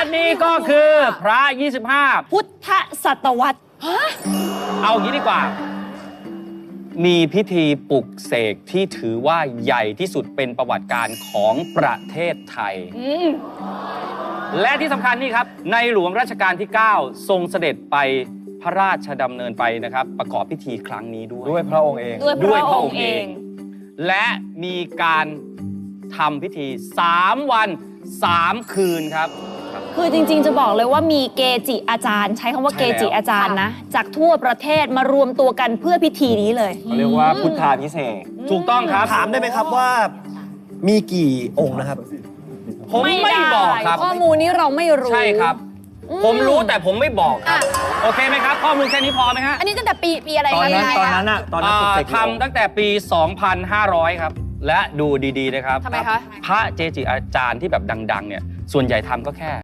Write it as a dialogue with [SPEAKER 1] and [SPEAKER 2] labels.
[SPEAKER 1] นี่ก็คือพระ 25
[SPEAKER 2] พุทธศตวรรษ
[SPEAKER 1] เอางี้ดีกว่า มีพิธีปลุกเสกที่ถือว่าใหญ่ที่สุดเป็นประวัติการของประเทศไทย และที่สำคัญนี่ครับ ในหลวงรัชกาลที่ 9 ทรงเสด็จไปพระราชดำเนินไปนะครับ ประกอบพิธีครั้งนี้ด้วย
[SPEAKER 3] พระองค์เอง
[SPEAKER 2] ด้วยพระองค์เอง
[SPEAKER 1] และมีการทำพิธี 3 วัน 3 คืนครับ
[SPEAKER 2] คือจริงๆจะบอกเลยว่ามีเกจิอาจารย์ ใช้คำว่าเกจิอาจารย์นะ จากทั่วประเทศมารวมตัวกันเพื่อพิธีนี้เลย
[SPEAKER 3] เขาเรียกว่าพุทธาพิเศษก
[SPEAKER 1] ถูกต้องครับ
[SPEAKER 4] ถามได้ไหมครับว่ามีกี่องค์นะครับ
[SPEAKER 1] ผมไม่บอกครับ
[SPEAKER 2] ข้อมูลนี้เราไม่รู้
[SPEAKER 1] ใช่ครับ ผมรู้แต่ผมไม่บอกครับ โอเคไหมครับ ข้อมูลแค่นี้พอไหมฮะ
[SPEAKER 2] อันนี้ตั้งแต่ปีอะไร
[SPEAKER 3] ตอนนั้น
[SPEAKER 2] คะ
[SPEAKER 3] ปลุกเสก
[SPEAKER 1] ทำตั้งแต่ปี 2,500 ครับ และดูดีๆนะครับ
[SPEAKER 2] ทำไมคะ
[SPEAKER 1] พระเจจิอาจารย์ที่แบบดังๆเนี่ยส่วนใหญ่ทำก็แค่